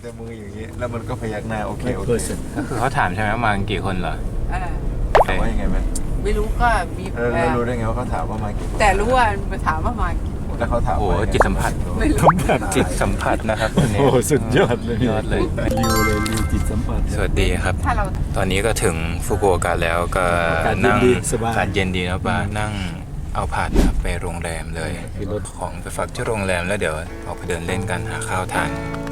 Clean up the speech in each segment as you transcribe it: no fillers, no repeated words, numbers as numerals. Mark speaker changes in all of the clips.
Speaker 1: แต่มืออย่างนี้แล้วมันก็พยักหน้าโอเคโอเค
Speaker 2: คือเขาถามใช่ไหมว่ามากี่คนเหรอ
Speaker 1: ถามว่ายังไงไหม
Speaker 3: ไม่รู้ก็มี
Speaker 1: แล้วรู้ได้ไงว่าเขาถามว่ามากี่คน
Speaker 3: แต่รู้ว่ามาถามว่ามากี่คน
Speaker 1: แล้วเขาถาม
Speaker 2: โอ้
Speaker 1: ว่า
Speaker 2: จิตสัมผัส
Speaker 3: ไม่รู้
Speaker 2: จิตสัมผัสนะครับคนนี้
Speaker 4: โอ้สุดยอดเลย
Speaker 2: ยอดเลย
Speaker 4: ริวเลยริวจิตสัมผัส
Speaker 2: สวัสดีครับ
Speaker 3: ถ้าเรา
Speaker 2: ตอนนี้ก็ถึงฟุกุโอกะแล้วก็
Speaker 4: อากาศ
Speaker 2: นั่ง
Speaker 4: ดีสบาย
Speaker 2: อากาศเย็นดีนะป้านั่งเอาผาดนะครับไปโรงแรมเลย
Speaker 4: มีรถ
Speaker 2: ของไปฝากที่โรงแรมแล้วเดี๋ยวออกไปเดินเล่นกันหาข้าวทาน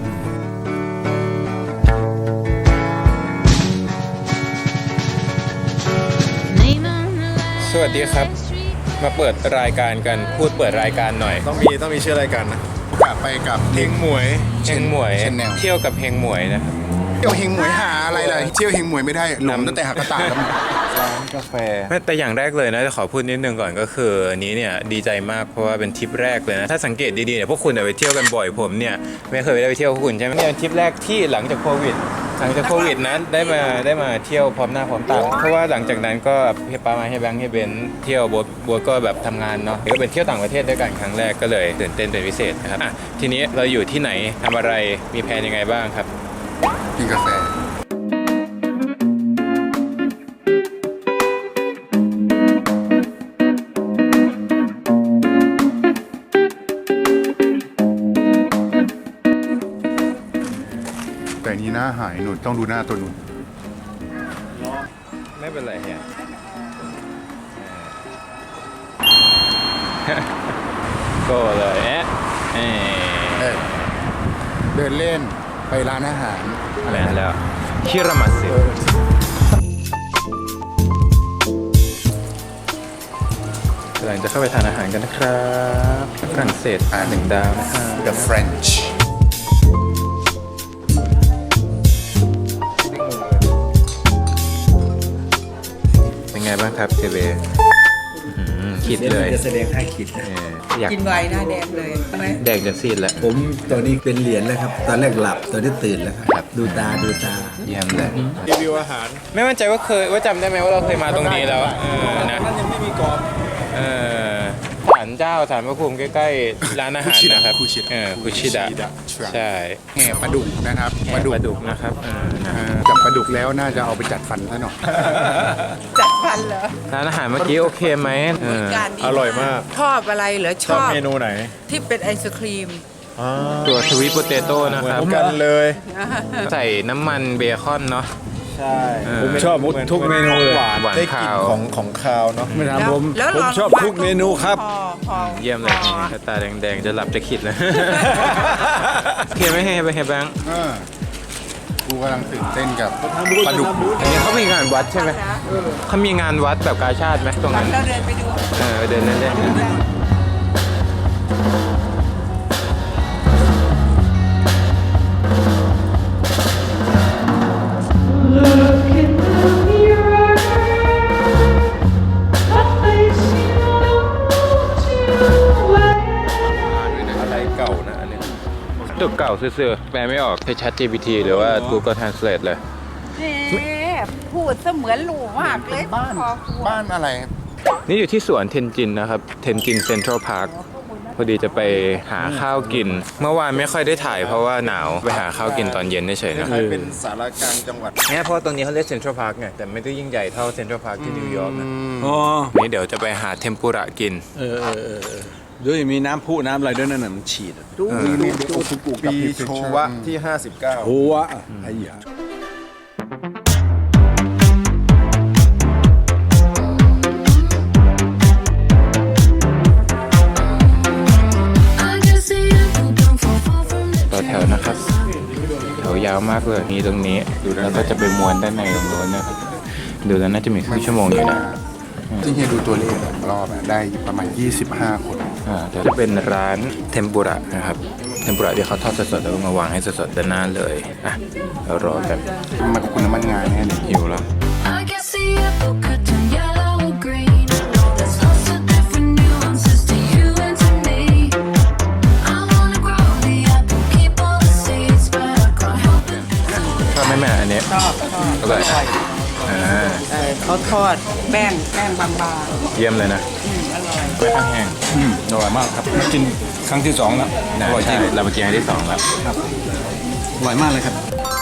Speaker 2: สวัสดีครับ มาเปิดรายการกันพูดเปิดรายการหน่อย
Speaker 1: ต้องมีชื่อรายการนะ
Speaker 5: กลับไปกับ
Speaker 2: เฮงหมวยเฮงหมวย
Speaker 5: เช่นแนว
Speaker 2: เที่ยวกับเฮงหมวยนะครับ
Speaker 5: เที่ยวเฮงหมวยหาอะไรล่ะเที่ยวเฮงหมวยไม่ได้หลงตั้งแต่หักกระต่ายแล้ว
Speaker 1: ร้านกาแฟ
Speaker 2: แต่อย่างแรกเลยนะจะขอพูดนิดนึงก่อนก็คืออันนี้เนี่ยดีใจมากเพราะว่าเป็นทริปแรกเลยนะถ้าสังเกตดีๆเนี่ยพวกคุณไปเที่ยวกันบ่อยผมเนี่ยไม่เคยได้ไปเที่ยวพวกคุณใช่ไหมเนี่ยเป็นทริปแรกที่หลังจากโควิดนั้นได้มาเที่ยวพร้อมหน้าพร้อมตาเพราะว่าหลังจากนั้นก็เฮียป้ามาเฮียแบงค์เฮียเบนเที่ยวโบ๊ทก็แบบทำงานเนาะก็เป็นเที่ยวต่างประเทศด้วยกันครั้งแรกก็เลยตื่นเต้นเป็นพิเศษนะครับทีนี้เราอยู่ที่ไหนทำอะไรมีแผนยังไงบ้างครับ
Speaker 5: กินกาแฟแต่นี้หน้าหายหนุนต้องดูหน้าตัวหนุน
Speaker 2: ไม่เป็นไรเฮียก็เลย
Speaker 5: เดินเล่นไปร้านอาหาร
Speaker 2: อะไรนั่นแล้วคิรามัสึกำลังจะเข้าไปทานอาหารกันนะครับฝรั่งเศส1 ดาวนะครับ
Speaker 5: The French
Speaker 2: เป็นไงบ้างครับเทเบคิดเลย
Speaker 4: จะแสดงท่าคิดนะ
Speaker 2: อยาก
Speaker 3: กินไวหน้าแดงเลยใช่ไหม
Speaker 2: แดกจะซีดแล้ว
Speaker 4: ผมตอนนี้เป็นเหรียญแล้วครับ ตอนแรกหลับตอนนี้ตื่นแล้วครับ ดูตา
Speaker 2: เยี่ยมเลย
Speaker 1: รีวิวอาหาร
Speaker 2: ไม่มั่นใจว่าจำได้ไหมว่าเราเคยมาตรงนี้แล้วอะนะ
Speaker 1: นั่นยังไม่มีกรอบ
Speaker 2: ศาลเจ้าศาลพระภูมิใกล้ๆร้านอาหารนะครับ
Speaker 5: คุชิดะ
Speaker 2: คุชิดะใช่
Speaker 5: แห่ปลาดุกนะครับ
Speaker 2: แห่ปลาดุกนะครับนะฮะ
Speaker 5: จับปลาดุกแล้วน่าจะเอาไปจัดฟันซะหน่อย
Speaker 3: จัดฟันเหรอ
Speaker 2: ร้านอาหารเมื่อกี้โอเคไหม
Speaker 3: การดี
Speaker 1: อร่อยมาก
Speaker 3: ชอบอะไรเหรอช
Speaker 1: ชอบ
Speaker 3: อบ
Speaker 1: เมนูไหน
Speaker 3: ที่เป็นไอศครีม
Speaker 2: ตัวสวีทโปเตโต้นะ
Speaker 1: เหมื
Speaker 2: ค
Speaker 1: อ
Speaker 2: รับ
Speaker 1: นกันเลย
Speaker 2: ใส่น้ำมันเบคอนเนาะ
Speaker 1: ใช่
Speaker 4: ผมชอบทุกเมนูเลย
Speaker 1: หวาน
Speaker 2: หวาน
Speaker 1: ได้กลิ่น
Speaker 2: คาว
Speaker 1: ของคาวเนาะ
Speaker 4: ไม่ถามผม
Speaker 3: แล้ว
Speaker 4: ผม
Speaker 3: ลง
Speaker 4: ชอบทุกเมนูครับ
Speaker 3: พอ
Speaker 2: เยี่ยมเลยนี่ตาแดงๆจะหลับจะขิดเลยโอเคไหมให้ไปแบงค์
Speaker 5: กูกำลังตื่นเต้นกับปลาดุก
Speaker 2: อันนี้เขามีงานวัดใช่ไหมเขามีงานวัดแบบกาชาติไหมตรงนั้น
Speaker 3: เราเดินไปดู
Speaker 2: ไปเดินเล่นๆ
Speaker 1: อะไรเก่านะอันนี้
Speaker 2: ตึกเก่าซื่อๆแปลไม่ออกใช้ ChatGPT หรือว่า Google Translate เลย
Speaker 3: พูดเสมือนหลูมากเลย
Speaker 5: บ้านอะไร
Speaker 2: นี่อยู่ที่สวนเทนจินนะครับ เทนจินเซ็นทรัลพาร์คพอดีจะไปหาข้าวกิน เมื่อวานไม่ค่อยได้ถ่ายเพราะว่าหนาวไปหาข้าวกินตอนเย็นเฉยๆนะ
Speaker 1: ใครเป็นสารกลางจังหวัด
Speaker 2: เนี่ยเพราะตรงนี้เขาเรียกเซ็นทรัลพาร์คไงแต่ไม่ได้ยิ่งใหญ่เท่าเซ็นทรัลพาร์คที่นิวยอร์กนะ
Speaker 4: อ๋อ
Speaker 2: นี่เดี๋ยวจะไปหาเทมปุระกิน
Speaker 4: ด้วยมีน้ำพุน้ำอะไรด้วยนั่นน่ะมันฉีดอะ
Speaker 5: มีโอซุกุกับ
Speaker 1: ปี
Speaker 5: พี
Speaker 1: โชวะที่ 59
Speaker 4: โอ้วะไอ้ยา
Speaker 2: ต่อแถวนะครับแถวยาวมากเลยมีตรงนี้แล้วก็จะไปม้วนด้านในตรงโน้นนะครับดูแล้วน่าจะมีครึ่งชั่วโมงอยู่นะ
Speaker 5: ที่เฮียดูตัวเลขรอบอะได้ประมาณ 25 คน
Speaker 2: เดี๋ยวจะเป็นร้านเทมปุระนะครับเทมปุระที่เขาทอดสดๆแล้วก็มาวางให้สดๆด้านหน้าเลยเรารอกัน
Speaker 5: มันกับคุณน้ำมันงานแน่เลย
Speaker 2: หิวแล้ว
Speaker 6: I guess the apple could turn yellow or green. I know there's lots of different nuances to you and to me. I wanna grow the apple, keep all the seeds, but I can't help it.
Speaker 2: ชอบไหมแม่อันนี้
Speaker 3: ชอบ
Speaker 2: อร่อยนะ
Speaker 3: เขาทอดแป้งบาง
Speaker 2: เยี่ยมเลยนะ
Speaker 3: ๆอร่อย
Speaker 2: ไม่ข้างแห้ง
Speaker 4: อร่อยมากครับมากินครั้งที่2แล้วอร่อยจริง
Speaker 2: เราไปกินครั้งที่2แล้ว
Speaker 4: อร่อยมากเลยครับ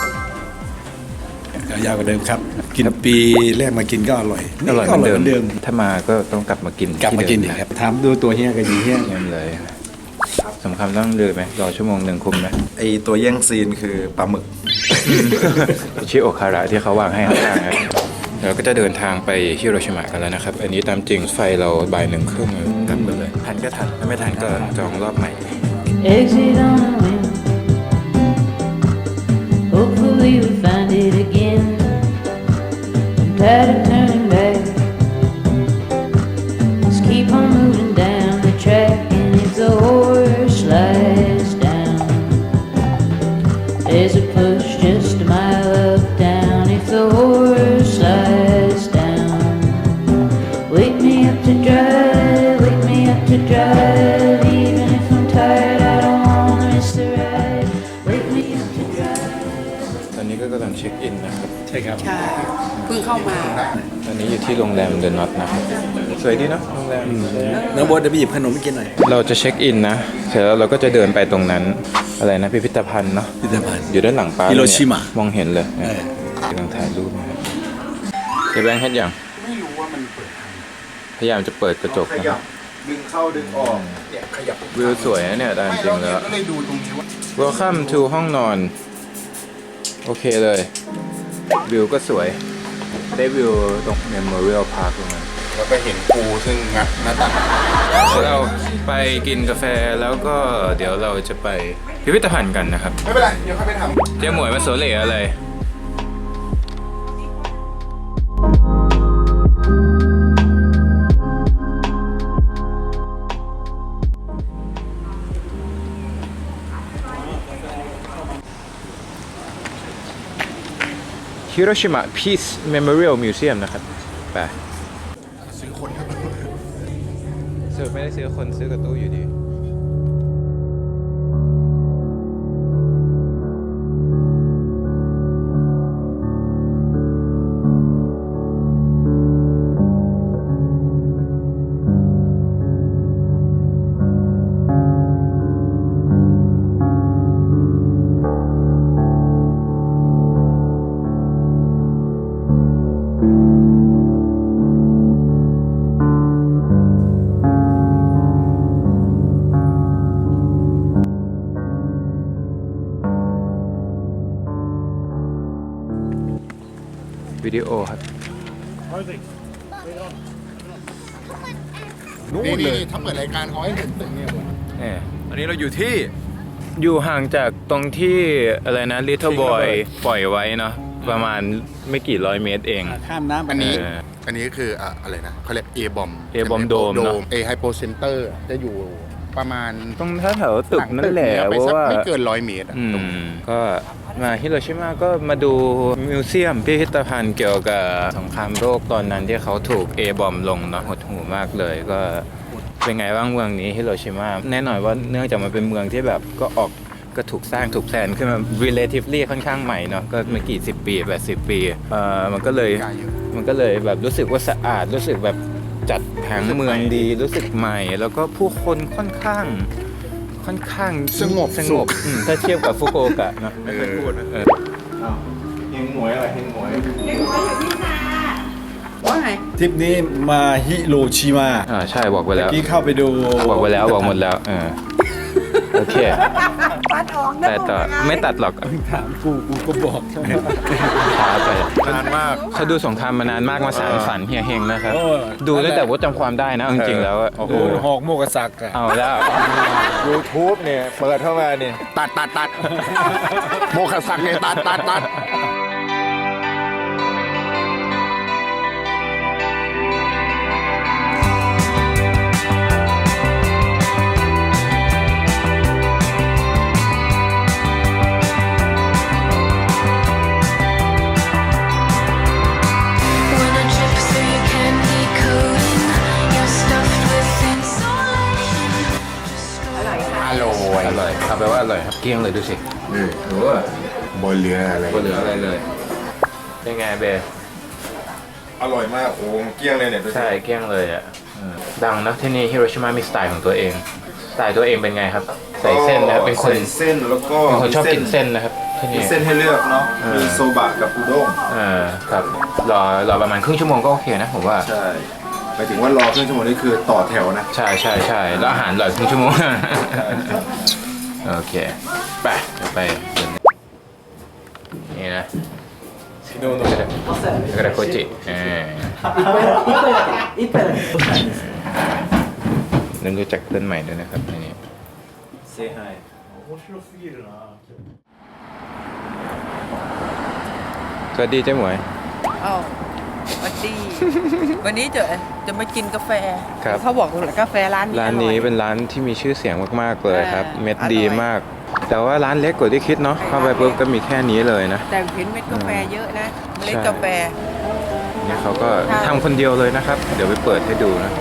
Speaker 7: ยาวกว่าเดิมครับ กินปีแรกมากินก็อร่อย
Speaker 2: อร่อยเหมือนเดิมถ้ามาก็ต้องกลับมากิน
Speaker 7: กลับมากินอีกครับถามดูตัวเฮียกับยีเฮีย
Speaker 2: เยี่ยมเลยสำคัญต้องเลยไหมรอชั่วโมงหนึ่งคุ้มไหม
Speaker 1: ไอตัวแย่งซีนคือปลาหมึก
Speaker 2: ชิโอคาระที่เขาวางให้ข้างๆนะเราก็จะเดินทางไปฮิโรชิมะกันแล้วนะครับ อันนี้ตามจริงไฟเราบ่าย 1:30กลับกันเลยทันก็ทันถ้าไม่ทันก็จองรอบใหม่
Speaker 8: Exit on a whim. Hopefully we find it again. I'm tired of turning back. Let's keep on moving down the track. And if the horse slides down, there's a push just a mile up down. If the horse slides down, wake me up to drive, wake me up to drive. Even if I'm tired, I don't wanna miss the ride. Wake me up to drive.
Speaker 2: ตอนนี้ก็กำลังเช็คอินนะครับ
Speaker 7: ใช่ครับ
Speaker 3: ใช่เพิ่งเข้ามา
Speaker 2: ตอนนี้อยู่ที่โรงแรมเดอะน็อตนะครับสวยดีเนาะโรงแรม
Speaker 4: น้องโบทเดี๋ยวไปหยิบขนมไปกินหน่อย
Speaker 2: เราจะเช็คอินนะเสร็จแล้วเราก็จะเดินไปตรงนั้นอะไรนะพิพิธภัณฑ์เนาะ
Speaker 4: พิพิธภัณฑ์
Speaker 2: อยู่ด้านหลังป้า
Speaker 4: ฮิโรชิมะ
Speaker 2: มองเห็นเลยกำลังถ่ายรูปนะครับเจ๊แบงค์เห็นยังพยายามจะเปิดกระจกนะครับ
Speaker 1: ดึงเข้าดึงออกเนี่ยขยับ
Speaker 2: วิวสวยนะเนี่ยตามจริงแล้ว
Speaker 5: ก็เลยดูตรงนี้ว่า
Speaker 2: Welcome to ห้องนอน โอเคเลย วิวก็สวย ได้วิวตรง Memorial Park ตรงนั้น
Speaker 5: แล้วก็เห็นปูซึ่งงัดหน้าต่าง
Speaker 2: เราไปกินกาแฟแล้วก็เดี๋ยวเราจะไปพิพิธภัณฑ์กันนะครับ
Speaker 5: ไม่เป็นไร เดี๋ยวค่อยไปทำ
Speaker 2: เจ๊หมวยมาโซเล่อะไร ฮิโรชิมะ Peace Memorial Museum นะครับ ไป
Speaker 5: ซื้อคน
Speaker 2: ซื้อไม่ได้ซื้อคนซื้อกับตู้อยู่ดี วิดีโอครับ
Speaker 5: นี่ถ้าเปิดรายการเขาให้เห็นตึกเนี่ย
Speaker 2: อันนี้เราอยู่ที่อยู่ห่างจากตรงที่อะไรนะ Little Boy ปล่อยไว้เนาะประมาณไม่กี่ร้อยเมตรเอง
Speaker 4: ข้ามน้ำไป
Speaker 5: อันนี้
Speaker 2: เออ
Speaker 5: อันนี้คืออะไรนะเขาเรียก A bomb
Speaker 2: A-bomb dome เนอะ
Speaker 5: A hypo center จะอยู่ประมาณ
Speaker 2: ตรงแถวตึกนั่นแหละ
Speaker 5: ไป
Speaker 2: เพ
Speaker 5: สัก
Speaker 2: ราะว่า
Speaker 5: ไม่เกิน100 เมตรอะ
Speaker 2: ก็มาฮิโรชิมาก็มาดูมิวเซียมพิพิธภัณฑ์เกี่ยวกับสงครามโลกตอนนั้นที่เขาถูก A-bomb ลงเนาะหดหูมากเลยก็เป็นไงบ้างเมืองนี้ฮิโรชิมาแน่นอนว่าเนื่องจากมันเป็นเมืองที่แบบก็ถูกสร้างถูกแพลนขึ้นมา relatively ค่อนข้างใหม่เนาะก็ไม่กี่10 ปี80 ปีมันก็เลยแบบรู้สึกว่าสะอาดรู้สึกแบบจัดผังเมืองดีรู้สึกใหม่ แล้วก็ผู้คนค่อนข้างสงบถ้าเทียบกับฟุกุโอกะเนาะไม่เคยพูดนะเฮงหมวยอะไรเฮงหมวย
Speaker 3: ว่าไง
Speaker 7: ทริปนี้มาฮิโรชิมา
Speaker 2: ใช่บอกไปแล้ว
Speaker 7: เมื่อกี้เข้าไปดู
Speaker 2: บอกไปแล้วบอกหมดแล้วโอเค
Speaker 3: ปัดออกนะ
Speaker 2: แต่ต่อไม่ตัดหรอก
Speaker 7: ถามกูก็บอก
Speaker 2: ช้าไป
Speaker 5: นานมาก
Speaker 2: เขาดูสงครามมานานมากมาสารฝันเฮียเฮงนะครับ
Speaker 7: โอ้
Speaker 2: ดูตั้งแต่ว่าจำความได้นะเอาจริงๆแล้วอะ
Speaker 7: โอ้โหหอกโมกษักอะ
Speaker 2: เอาแล้ว
Speaker 1: YouTube เนี่ยเปิดเข้ามาเนี่ย
Speaker 5: ตัด โมคสักเนี่ยตัด
Speaker 6: When I trip through your candy coating, you're stuffed with insulation. Just
Speaker 5: อร่อย
Speaker 2: อร่อยเอาไปว่าอร่อยครับเกลี้ยงเลยดูสิโอ้
Speaker 5: บนเรืออะไร
Speaker 2: ก็เหลืออะไรเลยเป็นไงเบ
Speaker 1: อร่อยมากโอ้เกลี้ยงเลยเนี่ยดูสิ
Speaker 2: ใช่เกลี้ยงเลยอ่ะดังนะที่นี่ฮิโรชิมามีสไตล์ของตัวเองสายตัวเองเป็นไงครับ ใส่เส้นนะครับเป็นคน
Speaker 1: ใส่เส้นแล้วก็
Speaker 2: เป็นคนชอบกินเส้นนะครับที่
Speaker 1: มี
Speaker 2: นี่
Speaker 1: เส้นให้เลือกเนาะมีโซบะกับอุด้ง
Speaker 2: ครับรอประมาณครึ่งชั่วโมงก็โอเคนะผมว่า
Speaker 1: ใช่หมายถึงว่ารอครึ่งชั่วโมงนี่คือต่อแถวนะ
Speaker 2: ใช่แล้วอาหารอร่อยครึ่งชั่วโมง โอเคไปเดี๋ยวไปเดินนี่นะโน่นกระดาษโคจินั่นรู้จักเพื่อนใหม่ด้วยนะครับนี่
Speaker 1: Say hi
Speaker 2: สวัสดีเจ๊หมวย
Speaker 3: อ้าวสวัสดี วันนี้จะมากินกาแฟ
Speaker 2: ครับ
Speaker 3: เขาบอกว่ากาแฟร้านนี้
Speaker 2: ร้านนี้
Speaker 3: ออย
Speaker 2: เป็นร้านที่มีชื่อเสียงมากๆเลยครับ เม็ด
Speaker 3: อร่อย
Speaker 2: ดีมาก แต่ว่าร้านเล็กกว่าที่คิดเนาะเข้าไปปุ๊บก็มีแค่นี้เลยนะ
Speaker 3: แต่เห็นเม็ดกาแฟเยอะนะเมล็ด
Speaker 2: ใช่
Speaker 3: กาแฟ
Speaker 2: นี่เขาก็
Speaker 3: ค่ะ
Speaker 2: ทำคนเดียวเลยนะครับ เดี๋ยวไปเปิดให้ดูนะ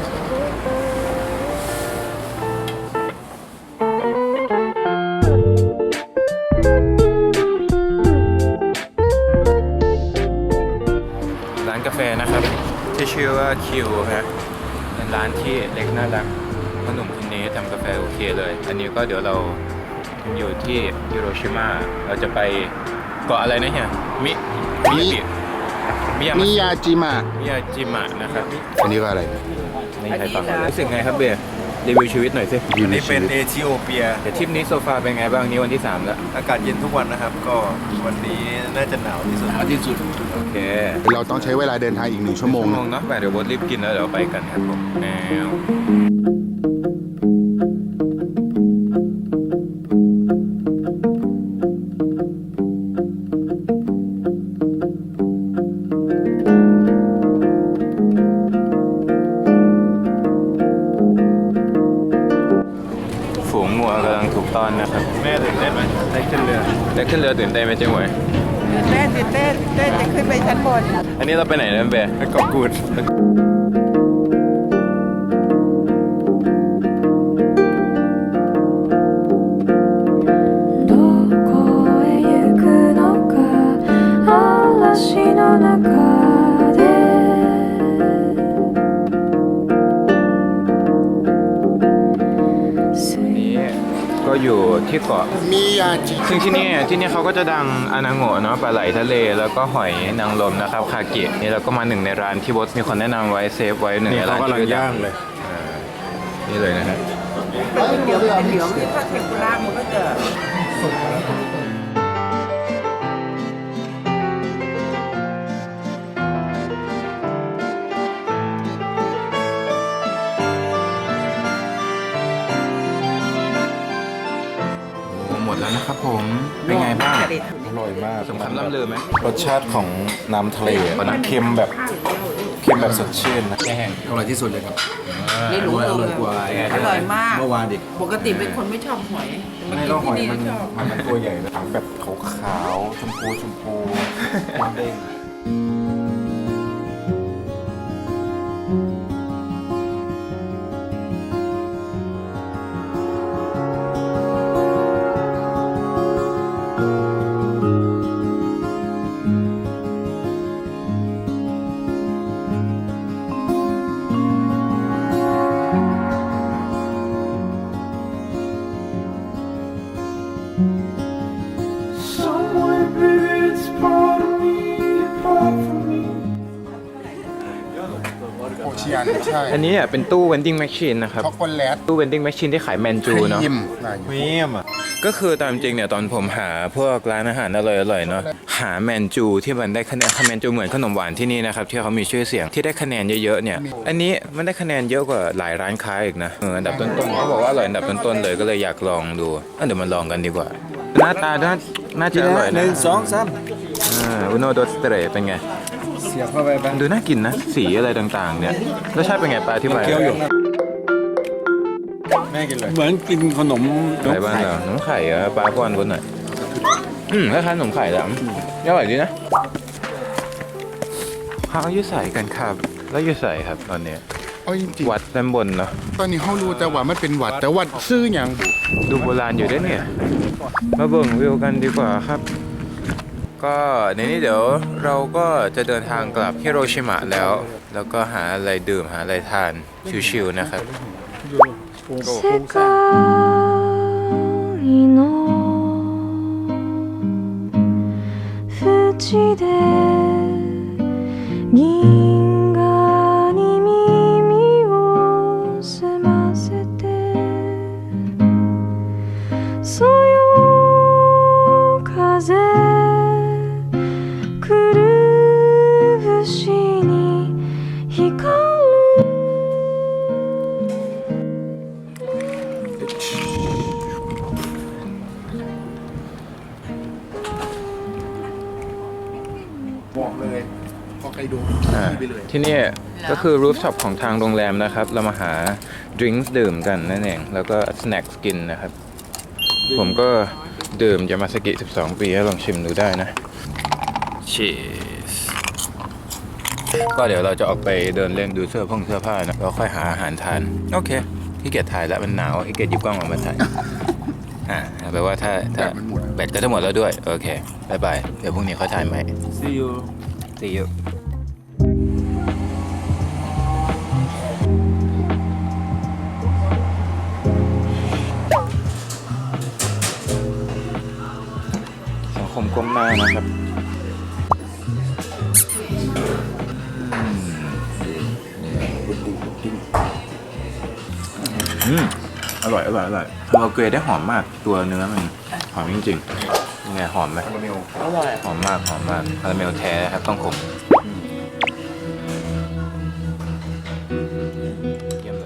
Speaker 2: ร้านกาแฟนะครับ ที่ชื่อว่าคิวฮะเป็นร้านที่เล็กน่ารักพ่อหนุ่มคนนี้ทำกาแฟโอเคเลย อันนี้ก็เดี๋ยวเราอยู่ที่ฮิโรชิมาเราจะไปเกาะอะไรนะเฮียมิยา
Speaker 5: มิยาจิมะ
Speaker 2: มิยาจิมะนะครับ
Speaker 5: อันนี้ก็อะไร
Speaker 2: ไม่ใช่ฟังรู้สึกไงครับเบียร์รีวิวชีวิตหน่อยสิ
Speaker 5: อยู่ใน
Speaker 1: นี่
Speaker 5: ชี
Speaker 1: เป็น
Speaker 5: วิต
Speaker 1: เอธิโอเปีย
Speaker 2: เดี๋ยวทริปนี้โซฟาเป็นไงบ้างนี้วันที่ 3 แล้ว
Speaker 1: อากาศเย็นทุกวันนะครับ ก็วันนี้น่าจะหนาวที่สุด
Speaker 2: โอเค
Speaker 5: เราต้องใช้เวลาเดินทางอีก1 ชั่วโมง
Speaker 2: ชั่วโมงเนาะไปเดี๋ยวบดรีบกินแล้วเดี๋ยวไปกันครับผมแนวฝูงงัวกำลังถูกต้อนนะครับ
Speaker 1: แม่ตื่นเต้นไหมได้ขึ้นเรือ
Speaker 2: ได้ขึ้นเรือตื่นเต้นไหมเจ๊หมวย
Speaker 3: ตื่นเต้นจะขึ้นไปชั้นบน
Speaker 2: อันนี้เราไปไหนนะเบียร์
Speaker 1: ไปเกาะกูด
Speaker 6: どこへ行くのか嵐の中で
Speaker 2: นี้ก็อยู่ที่เกาะ
Speaker 5: มิยาจิ
Speaker 2: ซึ่งที่นี่เขาก็จะดังอานาโงะเนาะปลาไหลทะเลแล้วก็หอยนางรมนะครับคาเกะนี่เราก็มาหนึ่งในร้านที่บอสมีคนแนะนำไว้เซฟไว้หนึ่งในร้านที่ดังเลยนี่เลยนะฮะ
Speaker 3: เดี๋ยวที่ถ้าเทมปุระมันก็จะ
Speaker 2: โอ้หมดแล้วนะครับผมเป็นไงบ้าง
Speaker 1: อร่อยมาก
Speaker 2: สมคำล่ำลือไหม
Speaker 1: รสชาติของน้ำทะเลมันเค็มแบบสดชื่นนะ
Speaker 2: แห้ง
Speaker 4: อร่อยที่สุดเลยครับ
Speaker 3: ไม่รู้
Speaker 4: อร่อยกว่า
Speaker 3: อร่อยมาก
Speaker 4: เมื่อวานอีก
Speaker 3: ปกติเป็นคนไม่ชอบหอยแต่มา
Speaker 1: ไม่
Speaker 3: กิน
Speaker 1: ต้องหอย
Speaker 3: ที่
Speaker 1: มัน
Speaker 3: นี่ชอบ
Speaker 1: มันตัวใหญ่เลยทั้งแบบขาวๆชมพูมันเด้ง
Speaker 5: โอเชียนใช่
Speaker 2: อันนี้เป็นตู้เวนดิ้งแมชชีนนะครับ
Speaker 5: ช็อกโกแลต
Speaker 2: ตู้เวนดิ้งแมชชีนที่ขายแมนจูเนาะ
Speaker 5: ครีม
Speaker 1: พรีเมียมอ่ะ
Speaker 2: ก็คือตามจริงเนี่ยตอนผมหาพวกร้านอาหารอร่อยๆเนาะหาแมนจูที่มันได้คะแนนแมนจูเหมือนขนมหวานที่นี่นะครับที่เขามีชื่อเสียงที่ได้คะแนนเยอะๆเนี่ยอันนี้มันได้คะแนนเยอะกว่าหลายร้านค้าอีกนะอันดับต้นๆเขาบอกว่าอร่อยอันดับต้นๆเลยก็เลยอยากลองดูเดี๋ยวมาลองกันดีกว่า หน้าตาน่าจะอร่อยนะ
Speaker 7: 1 2 3
Speaker 2: อุโนโดสเตรเป็นไง
Speaker 7: เสียบเข้าไปบ้าง
Speaker 2: ดูน่ากินนะสีอะไรต่างๆเนี่ยรสชาติเป็นไงปลาที่มา
Speaker 7: เคี้ยวอยู่
Speaker 1: แม่กินเลย
Speaker 7: เหมือนกินขนม
Speaker 2: อะไรบ้างเหรอน้ำไข่อะปลาก้อนคนหน่อยคล้ายๆขนมไข่แหละอร่อยดีนะเขาเอาอยู่ใส่กันครับแล้วอยู่ใส่ครับตอนนี้
Speaker 5: เอาจริง
Speaker 2: วัดด้านบนเนาะ
Speaker 5: ๆตอนนี้เขารู้แต่ว่ามันเป็นหวัดแต่วัดซื่ออย่างบุ
Speaker 2: ดูโบราณอยู่ด้วยเนี่ย มาเบิ่งวิวกันดีกว่าครับ ก็ในนี้เดี๋ยวเราก็จะเดินทางกลับฮิโรชิมะแล้ว แล้วก็หาอะไรดื่มหาอะไรทานชิวๆนะครับ
Speaker 6: 世界の淵で銀河に耳を澄ませてそよ風来る節に光る
Speaker 5: บอกเลยพอใครดู ไปเลย
Speaker 2: ที่นี่ก็คือรูฟท็อปของทางโรงแรมนะครับ เรามาหาดริงก์ดื่มกันนั่นเอง แล้วก็สแน็คกินนะครับ ผมก็ดื่มยามาสกิ 12 ปีให้ลองชิมดูได้นะ Cheers ก็เดี๋ยวเราจะออกไปเดินเล่นดูเสื้อผ้านะแล้วค่อยหาอาหารทาน โอเคขี้เกียจถ่ายแล้วมันหนาวขี้เกียจหยิบกล้องออกมาถ่าย แปลว่าถ้าแบตก็จะหมดแล้วด้วย โอเคบายบายเดี๋ยวพรุ่งนี้เขาถ่ายใหม่
Speaker 7: See you
Speaker 2: See you สังคมก้มหน้านะครับอร่อยเราเกรดได้หอมมากตัวเนื้อมันหอมจริงๆยังไงหอมไหมอร่อยหอมมากคาราเมลแท้ครับต้องขมเยี่ยมเลย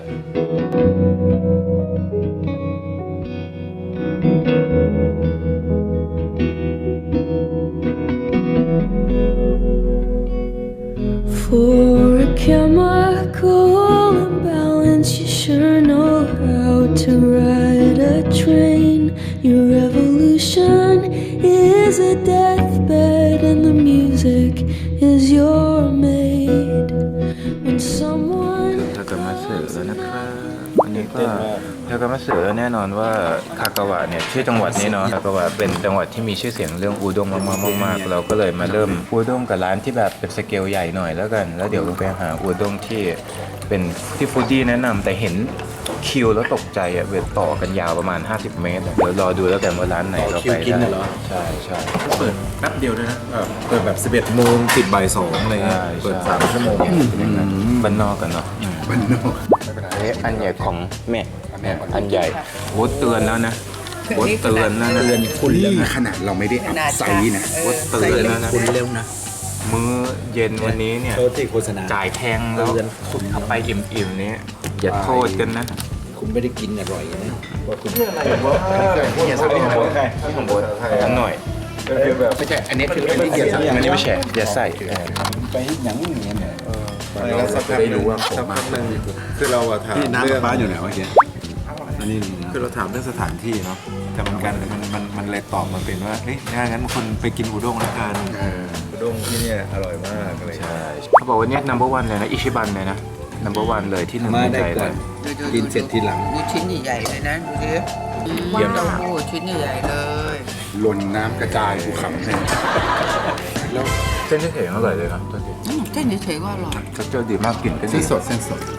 Speaker 6: For a chemical imbalance, you sure know how to ride a train. Your revolution is a deathbed, and the music is your maid. When someone
Speaker 2: ทากามาสึแล้วนะครับอันนี้ก็ทากามาสึแน่นอนว่าคากาวะเนี่ยชื่อจังหวัดนี้เนาะคากาวะเป็นจังหวัดที่มีชื่อเสียงเรื่องอูด้งมากๆเราก็เลยมาเริ่มอูด้งกับร้านที่แบบเป็นสเกลใหญ่หน่อยแล้วกันแล้วเดี๋ยวเราไปหาอูด้งที่เป็นที่ฟูดี้แนะนำแต่เห็นคิวแล้วตกใจอะเวทต่อกันยาวประมาณ50 เมตรเดี๋ยวรอดูแล้วกันว่าร้านไหนเราไปได้ใช่
Speaker 1: เปิดแป๊บเดียวด้วยนะเปิดแบบ11 โมงปิดบ่าย 2อะไรเงี้ยเปิด3 ชั่วโมง
Speaker 2: บ้านนอกกันเนาะ
Speaker 5: บ้านนอก
Speaker 2: อันใหญ่ของแม่อันใหญ่โอ้เตือนแล้วนะโอ้เตือนแล้วนะ
Speaker 5: เตือนคุณนี่ขนาดเราไม่ได้อัพไซส์นะ
Speaker 2: โอ้เตือนแล้วนะ
Speaker 4: คุณเร็วนะ
Speaker 2: มื้อเย็นวันนี้เนี่ย
Speaker 4: โทษที่โฆษณา
Speaker 2: จ่ายแพงแล้วคุณเอาไปอิ่มๆนี้อย่าโทษกันนะ
Speaker 4: คุณไม่ได้กินอร่อยนะว่าคุณ
Speaker 2: อย่าใส่ของโบทั้งหน่อย
Speaker 5: ไม่ใช่ อันนี้คือเป็นที่เกียรติ
Speaker 2: อันนี้ไม่ใช่อย่าใส่
Speaker 7: ไปหยังอย่างเงี้ยเนี่ย
Speaker 1: เราสักพักหนึ่งสักพักหนึ่งคือเราอะถาม
Speaker 7: พี่น้ำ
Speaker 1: เรื่อง
Speaker 7: ฟ้าอยู่ไหนวะเกี้ยอันนี้
Speaker 1: คือเราถามเรื่องสถานที่เนาะแต่มันเลยตอบมาเป็นว่าเฮ้ยงั้นคนไปกินอุด้งแล้วกันอุด้งที่เนี่ยอร่อยมากอะไร
Speaker 2: ใช่เขาบอกว่าเนี่ย number one เลยนะอิชิบันเลยนะ number one เลยที่หนึ่ง
Speaker 4: มา
Speaker 2: ใน
Speaker 4: ได้
Speaker 2: ใจ
Speaker 4: ก่
Speaker 2: เล
Speaker 4: อน
Speaker 2: ย
Speaker 4: กินเสร็จทีหลัง
Speaker 3: ดูชิ้นใหญ่ๆเลยนะดูดิ
Speaker 2: เยี่ยม
Speaker 3: เต้าหู้ชิ้นใหญ่ๆเลย
Speaker 5: หล่นน้ำกระจายภูเขาเลย
Speaker 2: เส้นเฉยๆอร่อยเลยนะตัวจริง
Speaker 3: เส้นเฉยๆก็อร่อย
Speaker 2: เจอดีมากกลิ่นก็
Speaker 5: เส้
Speaker 2: ดี
Speaker 5: นสด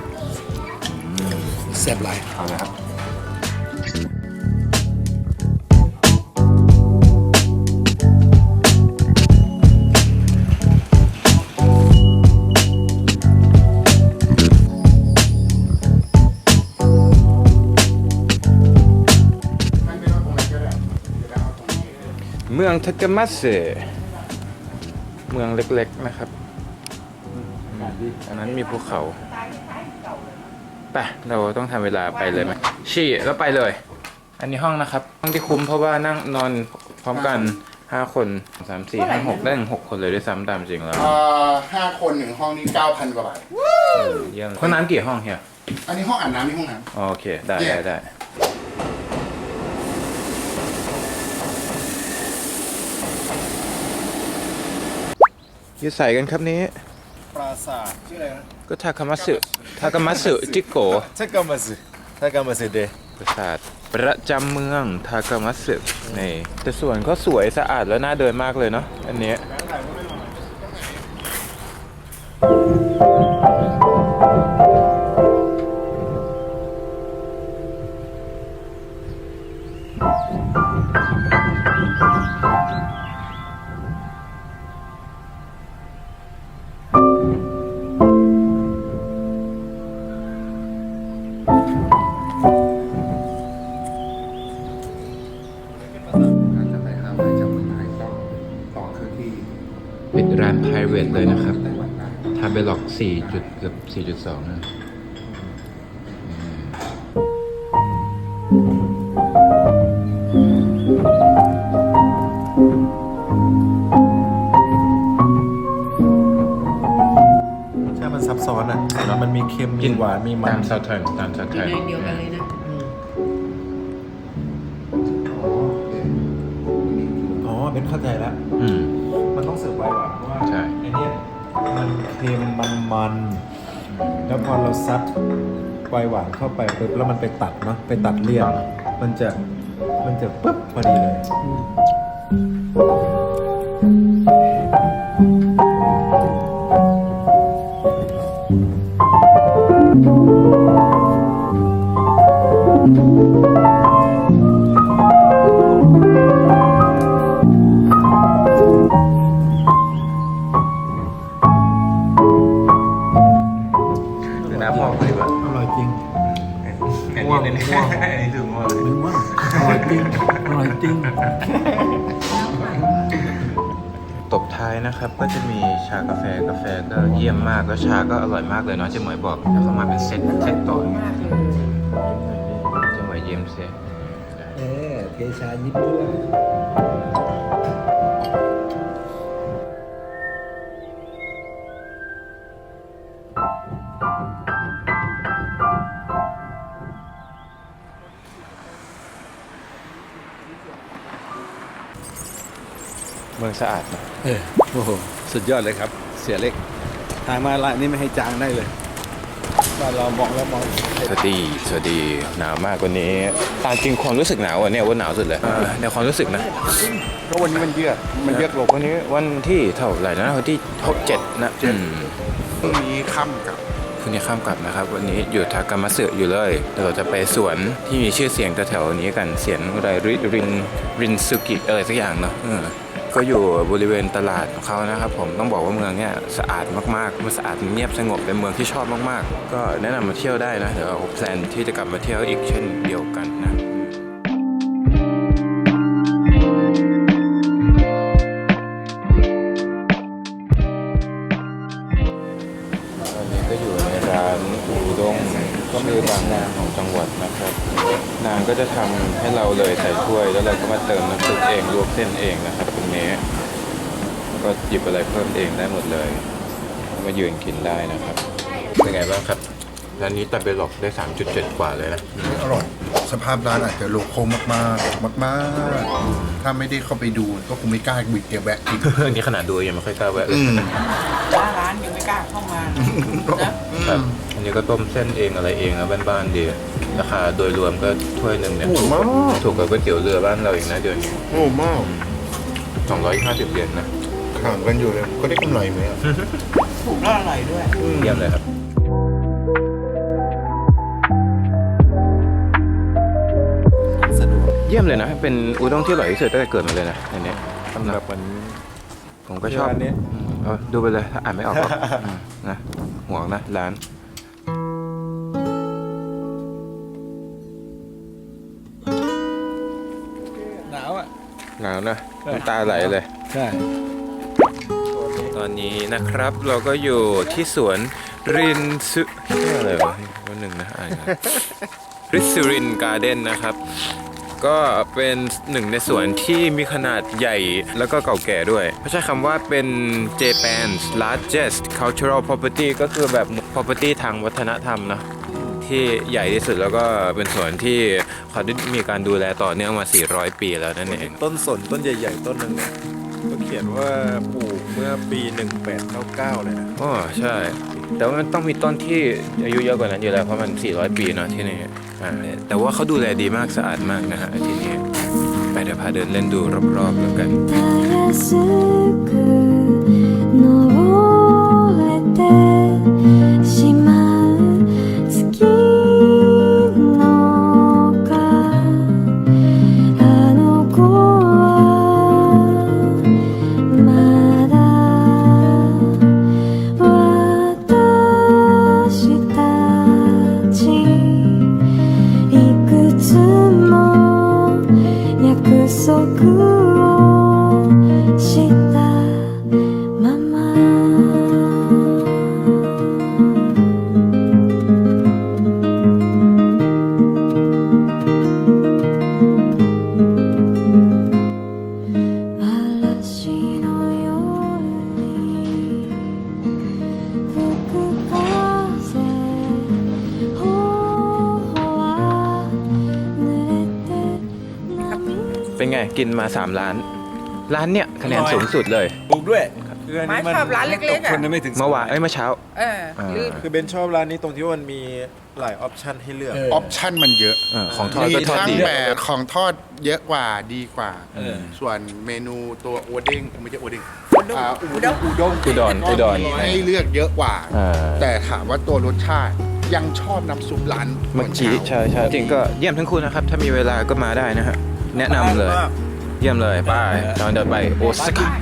Speaker 5: แซ่บหลาย
Speaker 2: เอาเลยครับเมืองทากามาสึเมืองเล็กๆนะครับอันนั้นมีภูเขาไปเราต้องทำเวลาไปเลยไหมชี่แล้วไปเลย อันนี้ห้องนะครับห้องที่คุ้มเพราะว่านั่งนอนพร้อมกัน5 คน3 4 5 6ได้ถึง6 คนเลยด้วยซ้ำตามจริงแล้ว
Speaker 5: 5 คน1ห้องนี่ 9,000 กว่าบาท
Speaker 2: เยี่ยมห้องน้ำกี่ห้องเฮีย
Speaker 5: อันนี้ห้องอาบน้ำนี่ห้องน้ำ
Speaker 2: โอเคได้อยู่ใส่กันครับนี้
Speaker 1: ปราสาทชื่ออะไรนะ
Speaker 2: ก็ทากามาสึจิโกะ
Speaker 1: ทากามาสึเด
Speaker 2: ปราสาทประจำเมืองทากามาสึนี่แต่สวนก็สวยสะอาดแล้วน่าเดินมากเลยเนาะอันเนี้ยร้าน private เลยนะครับทำไปหลอก4จุดเกือบ4.2นะ
Speaker 1: ใช่มันซับซ้อนอ่ะมันมีเค็มมีหวานมีมัน
Speaker 2: ตามซาวเทิร์นตามซาวเทิร์น
Speaker 3: เดียวกันเลยนะ
Speaker 1: อ๋อเบนเข้าใจแล้ว
Speaker 2: อืม
Speaker 1: มันต้องเสิร์ฟไวน์หวานเพราะว่า
Speaker 2: ใช่
Speaker 1: ไอเนี้ยมันเค็มมันแล้วพอเราซัดไวน์หวานเข้าไปปุ๊บแล้วมันไปตัดเนาะไปตัดเลี่ยนมันจะปุ๊บพอดีเลย
Speaker 2: ดูน้ำพอกเลยว่ะ
Speaker 1: อร่อยจริง
Speaker 2: อันนี้อันนี้ถึงว่า
Speaker 1: มึงว่าอร่อยจริงอร่อยจริง
Speaker 2: ตบท้ายนะครับก็จะมีชากาแฟก็เยี่ยมมากแล้วชาก็อร่อยมากเลยเนาะเจ๊หมวยบอกแล้วเขามาเป็นเซตต่อเจ๊หมวยเยี่ยมเซต
Speaker 4: เทชายิบด้วย
Speaker 2: เมืองสะอาดนะ
Speaker 4: โอ้โห สุดยอดเลยครับ เสียเล็ก ทางมาละนี่ไม่ให้จางได้เลยบ้านเรามองแล้วมอง
Speaker 2: สวัสดีหนาวมากกว่านี้ตามจริงความรู้สึกหนาววันนี้ว่าหนาวสุดเลยในความรู้สึกนะ
Speaker 5: ก็วันนี้มันเยือกลง
Speaker 2: วันนี้วันที่เท่าไหร่นะวันที่7นะอืม
Speaker 5: พรุ่งนี้ค่ำกับ
Speaker 2: พรุ่งนี้ข้ามกลับนะครับ วันนี้อยู่ทากามาสึอยู่เลยเดี๋ยวเราจะไปสวนที่มีชื่อเสียงแถวๆนี้กันเสียงอะไรรินซุกิอะไรสักอย่างเนาะก็อยู่บริเวณตลาดของเขานะครับผมต้องบอกว่าเมืองเนี้ยสะอาดมากๆมันสะอาดเงียบสงบเป็นเมืองที่ชอบมากๆก็แนะนำมาเที่ยวได้นะเดี๋ยวเราแพลนที่จะกลับมาเที่ยวอีกเช่นเดียวกันนะตอนนี้ก็อยู่ในร้านอูด้งก็มีบางนางของจังหวัดนะครับนางก็จะทำให้เราเลยใส่ถ้วยแล้วเราก็มาเติมน้ำซุปเองลวกเส้นเองนะครับตรงนี้ก็หยิบอะไรเพิ่มเองได้หมดเลยมายืนกินได้นะครับเป็นไงบ้างครับร้านนี้ตับเบลล็อกได้ 3.7 กว่าเลยนะ
Speaker 5: อร่อย สภาพร้านอาจจะโลโก้มากๆ ถ้าไม่ได้เข้าไปดูก็คงไม่กล้าบิดเก็บแวะกิน
Speaker 2: อันนี้ขนาดดูยังไม่ค่อยกล้าแวะเลย
Speaker 3: ร้านยังไม่กล้าเข้ามานะ
Speaker 2: ครับอันนี้ก็ต้มเส้นเองอะไรเองนะบ้านๆดีราคาโดยรวมก็ถ้วยหนึ่งเนี่ยถูกกว่าก๋วยเตี๋ยวเรือบ้านเราอีกนะเดี๋ยวนี้
Speaker 5: โอ้มาก
Speaker 2: 250 เหรียญนะ
Speaker 5: ห่างกันอยู่เลย ก็ได้กำไรไหมอะ
Speaker 3: ถูกแล้วอร่อยด้วย
Speaker 2: เยี่ยมเลยครับเยี่ยมเลยนะเป็นอุด้งที่อร่อยที่สุดตั้งแต่เกิดมาเลยนะอันนี้สำหรับวันผมก็ชอบ
Speaker 1: ร้านนี้
Speaker 2: เอาดูไปเลยถ้าอ่านไม่ออกก็นะห่วงนะร้าน
Speaker 4: หนาวอ่ะ
Speaker 2: หนาวนะน้ำตาไหลเลย
Speaker 4: ใช่
Speaker 2: ตอนนี้นะครับเราก็อยู่ที่สวนรินซุชื่ออะไรวะวันหนึ่งนะอ่านริสรินการ์เด้นนะครับ ก็เป็นหนึ่งในสวนที่มีขนาดใหญ่แล้วก็เก่าแก่ด้วยเขาใช้คำว่าเป็น Japan's largest cultural property ก็คือแบบ property ทางวัฒนธรรมนะที่ใหญ่ที่สุดแล้วก็เป็นสวนที่เขาได้มีการดูแลต่อเนื่องมา 400 ปีแล้วนั่นเอง
Speaker 1: ต้นสนต้นใหญ่ๆต้นหนึงเนี่ยก็เขียนว่าปลูกเมื่อปี 1899 เลยนะ
Speaker 2: อ๋อใช่ แต่ว่ามันต้องมีต้นที่อายุเยอะกว่านั้นอยู่แล้วเพราะมัน 400 ปีเนาะที่นี่แต่ว่าเขาดูแลดีมากสะอาดมากนะฮะที่นี่ไปเดี๋ยวพาเดินเล่นดูรอบๆแล้วกัน
Speaker 6: たやすく登れてしまう月の丘あの子はまだ私たちいくつも約束をした
Speaker 2: กินมา3 ร้าน ร้านเนี่ยคะแนนสูงสุดเลย
Speaker 4: ถูกด้วย
Speaker 1: คืออัน
Speaker 3: ไม้
Speaker 1: นี้มัน
Speaker 3: ชอบร้านเล็กๆอ่ะ
Speaker 4: คนไม่ถึง
Speaker 2: เมื่อวานเมื่อเช้า
Speaker 3: เออลื่น
Speaker 1: คือเบนชอบร้านนี้ตรงที่ว่ามันมีหลายออปชันให้เลือก
Speaker 5: ออปชั่นมันเยอะ
Speaker 2: ของทอด
Speaker 5: มี
Speaker 2: ก็ทอด
Speaker 5: ทั้ง
Speaker 2: ดี
Speaker 5: แบบของทอดเยอะกว่าดีกว่า ส่วนเมนูตัวโอเด้งไม่ใช่โอเด้งอุด้ง
Speaker 2: อุดร
Speaker 5: มีให้เลือกเยอะกว่า
Speaker 2: อ่า
Speaker 5: แต่ถามว่าตัวรสชาติยังชอบน้ำซุปร้าน
Speaker 2: เมื่อกี้ใช่จริงก็เยี่ยมทั้งคู่นะครับ ถ้ามีเวลาก็มาได้นะฮะแนะนำเลย เยี่ยมเลยไปตอนเดินไปโอซาก้า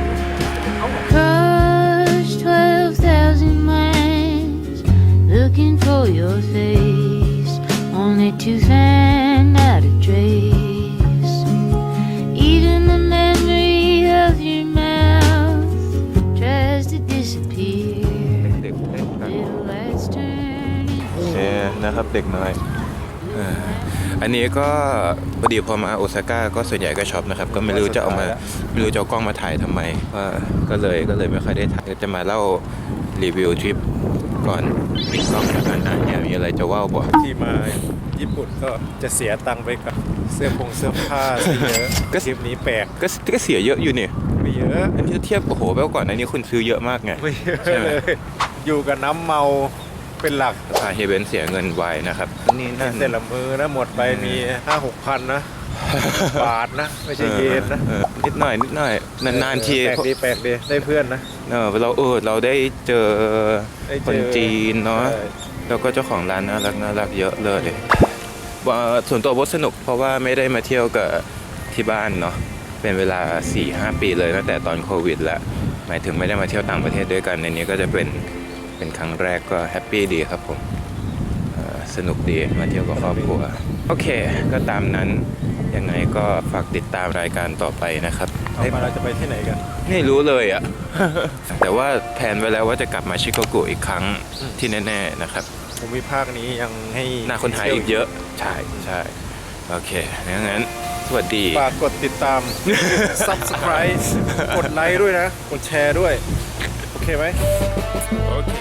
Speaker 8: Across 12,000 miles, looking for your face, only to find not a trace. Even the memory of your mouth tries to disappear. Little lights turn
Speaker 2: โอเคนะครับเด็กน้อยอันนี้ก็พอดีพอมาโอซาก้าก็ส่วนใหญ่ก็ช็อปนะครับก็ไม่รู้จะเอากล้องมาถ่ายทำไมก็เลยไม่ค่อยได้ถ่ายจะมาเล่ารีวิวทริปก่อนปิดกล้องแล้วกันเนี่ยมีอะไรจะว่าบอก
Speaker 1: ที่มาญี่ปุ่นก็จะเสียตังค์ไปกับเสื้อผ้าซะเยอะทริปนี้แปลก
Speaker 2: ก็เสียเยอะอยู่นี่
Speaker 1: ไม่เยอะ
Speaker 2: อันนี้เทียบโอ้โหแปลว่าก่อนอันนี้คุณซื้อเยอะมากไง
Speaker 1: ไม่เยอะ
Speaker 2: ใช่ไหม
Speaker 1: เลยอยู่กับน้ำเมาเป็นหลัก
Speaker 2: พาเฮเบนเสียเงินไวนะครับนี่นั่น
Speaker 1: แต่ละมือนะหมดไปมี 5-6 พันนะ บาทนะ ไม่ใช่เยนนะ
Speaker 2: นิดหน่อยนานๆที
Speaker 1: แปลกดีได้เพื่อนนะ
Speaker 2: เราได้เจอ
Speaker 1: ได้เจอ
Speaker 2: คนจีนเนาะ
Speaker 1: ใช่
Speaker 2: แล้วก็เจ้าของร้านน่ารักเยอะเลยส่วนตัวโบทสนุกเพราะว่าไม่ได้มาเที่ยวกับที่บ้านเนาะเป็นเวลา 4-5 ปีเลยตั้งแต่ตอนโควิดแล้วหมายถึงไม่ได้มาเที่ยวต่างประเทศด้วยกันในนี้ก็จะเป็นครั้งแรกก็แฮปปี้ดีครับผมสนุกดีมาเที่ยวกับครอบครัวโอเคก็ตามนั้นยังไงก็ฝากติดตามรายการต่อไปนะครับ
Speaker 1: เอามาเราจะไปที่ไหนกัน
Speaker 2: ไม่รู้เลยอ่ะ แต่ว่าแผนไว้แล้วว่าจะกลับมาชิคาโกอีกครั้งที่แน่ๆนะครับ
Speaker 1: ภูมิภาคนี้ยังให้
Speaker 2: น่าค้นหาอีกเยอะใช่โอเคงั้นสวัสดี
Speaker 1: ฝากกดติดตาม subscribe กดไลค์ด้วยนะ กดแชร์ด้วย โอเคไหม
Speaker 2: โอเค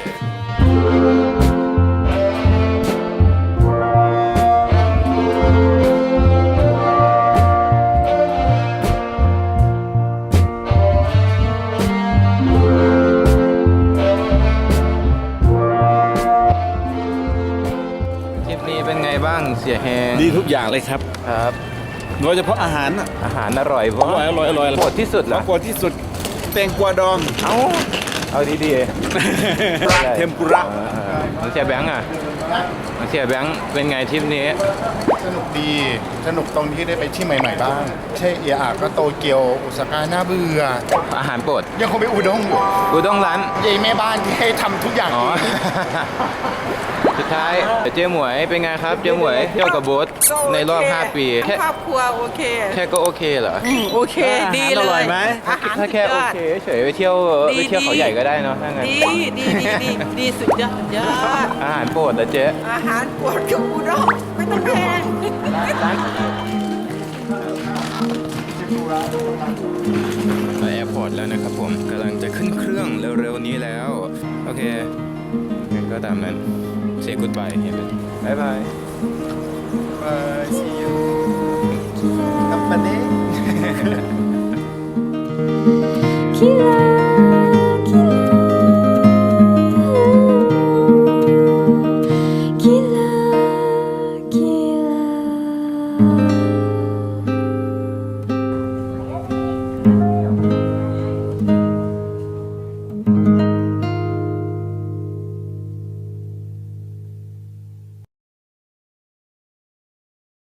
Speaker 2: ทริปนี้เป็นไงบ้างเสียแฮง
Speaker 4: ดีทุกอย่างเลยครับ
Speaker 2: ครับ
Speaker 4: โดยเฉพาะอาหารน่ะ
Speaker 2: อาหารอร่อยเพราะ
Speaker 4: อร่อย
Speaker 2: โปรดที่สุดเหรอ
Speaker 4: โปรดที่สุดแตงกวาดอง
Speaker 2: เอาดี
Speaker 4: เทมปุระ
Speaker 2: น้องเสียแบงค์อ่ะน้องเสียแบงค์เป็นไงทริปนี้
Speaker 5: สนุกดี สนุกตรงที่ได้ไปที่ใหม่ๆบ้างใช่เอียอาก็โตเกียวโอซาก้าน่าเบื่อ
Speaker 2: อาหารโปรด
Speaker 5: ยังคงไปอุด้งอยู่
Speaker 2: อุด้งร้าน
Speaker 5: ยายแม่บ้านที่ให้ทำทุกอย่าง
Speaker 2: อ๋อ
Speaker 5: เอง
Speaker 2: สุดท้ายเจ๊หมวยเป็นไงครับเจ๊หมวยเที่ยวกับโบ๊ทในรอบ 5 ปีแค่
Speaker 3: ครอบครัวโอเค
Speaker 2: ก็โอเคเหรอ
Speaker 3: โอเค ดีเลย
Speaker 4: อร่อยไหม
Speaker 3: อาหาร
Speaker 2: ถ้าแค่โอเคเฉยไปเที่ยว
Speaker 3: ดี
Speaker 2: เขาใหญ่ก็ได้เนาะถ้างั้น
Speaker 3: ดีสุดยอด
Speaker 2: อาหารโปรดนะเจ๊
Speaker 3: อาหารปวดกับอุด้งไม่ต้องแพง
Speaker 2: ไปแอร์พอร์ตแล้วนะครับผมกำลังจะขึ้นเครื่องเร็วๆนี้แล้ว โอเคงั้นก็ตามนั้นเสียกูดบายบายบาย
Speaker 1: Bye see you กัปปะเน่
Speaker 8: Kira